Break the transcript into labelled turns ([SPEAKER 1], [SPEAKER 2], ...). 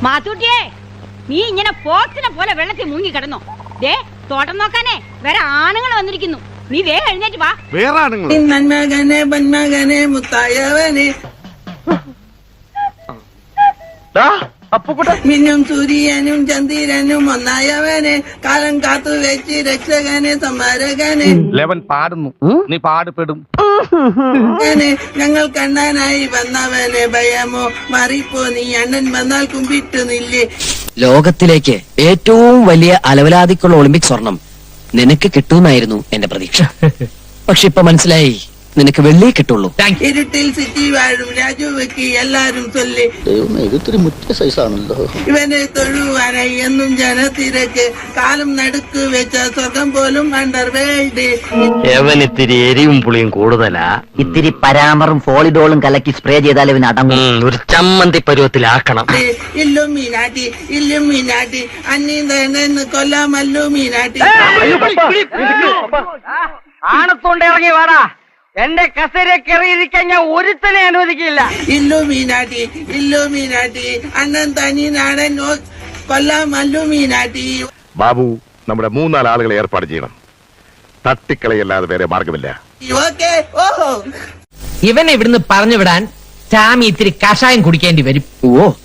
[SPEAKER 1] മാത്തൂട്ടിയേ, നീ ഇങ്ങനെ പോത്തിനെ പോലെ വെള്ളത്തിൽ മുങ്ങി കിടന്നോ? ദേ തോട്ടം നോക്കാനേ വേറെ ആണുങ്ങൾ വന്നിരിക്കുന്നു. നീ വേഗം എഴുന്നേറ്റ് വാ.
[SPEAKER 2] വേറെ ആണുങ്ങൾ?
[SPEAKER 3] നന്മകനെ ബന്മകനെ മുത്തായവനെ മിന്നും സൂര്യനും ചന്ദ്രനും ഒന്നായവനെ കാലം കാത്തു വെച്ച് രക്ഷകനെ സംഹാരകനെ
[SPEAKER 2] ലെവൻ പാടുന്നു, നീ പാടുപെടും.
[SPEAKER 3] ഞങ്ങൾ കണ്ണാനായി വന്നവനെ ഭയമോ മാറിപ്പോ നീ അണ്ണൻ വന്നാൽ കുമ്പിട്ടു നില്ലേ.
[SPEAKER 4] ലോകത്തിലേക്ക് ഏറ്റവും വലിയ അലവലാതിക്കുള്ള ഒളിമ്പിക് സ്വർണം നിനക്ക് കിട്ടുമെന്നായിരുന്നു എന്റെ പ്രതീക്ഷ. പക്ഷെ ഇപ്പൊ മനസ്സിലായി, നിനക്ക് വെള്ളിയെ കിട്ടുള്ളൂ.
[SPEAKER 3] ഇരുട്ടിൽ സിറ്റി വാഴും രാജുവയ്ക്ക് എല്ലാരും ചൊല്ലി.
[SPEAKER 5] ഇതൊരു മുറ്റ സൈസാണല്ലോ.
[SPEAKER 3] ഇവനെ തൊഴുവാനായി എന്നും ജനത്തിരക്ക് കാലം നടുക്ക് വെച്ച സ്വർഗം പോലും അണ്ടർവേൾഡ്.
[SPEAKER 6] ഇത്തിരി എരിവും പുളിയും കൂടുതലാ.
[SPEAKER 5] ഇത്തിരി പരാമറും ഫോളിഡോളും കലക്കി സ്പ്രേ ചെയ്താൽ ഇവന് അടങ്ങും.
[SPEAKER 6] ഒരു ചമ്മന്തി പരുവത്തിലാക്കണം.
[SPEAKER 3] ഇല്ലും മീനാട്ടി ഇല്ലും മീനാട്ടി അന്നീന്ന് കൊല്ലാമല്ലു മീനാട്ടി.
[SPEAKER 6] ആണത്തോണ്ട് ഇറങ്ങി വാടാ. എന്റെ കസേര കയറിയിരിക്കാൻ ഞാൻ ഒരുത്തനെ അനുവദിക്കില്ല.
[SPEAKER 3] ഇല്ലു മീനാട്ടി ഇല്ലു മീനാട്ടി അണ്ണൻ തനി നാടൻ കൊല്ലാമല്ലു മീനാട്ടി.
[SPEAKER 2] ബാബു, നമ്മുടെ 3-4 ആളുകളെ ഏർപ്പാട് ചെയ്യണം. തട്ടിക്കളയല്ലാതെ വേറെ മാർഗമില്ല.
[SPEAKER 3] ഓക്കേ. ഓഹോ,
[SPEAKER 7] ഇവനെ ഇവിടുന്ന് പറഞ്ഞു വിടാൻ ടാമി ഇത്തിരി കഷായം കുടിക്കേണ്ടി വരും.
[SPEAKER 4] ഓ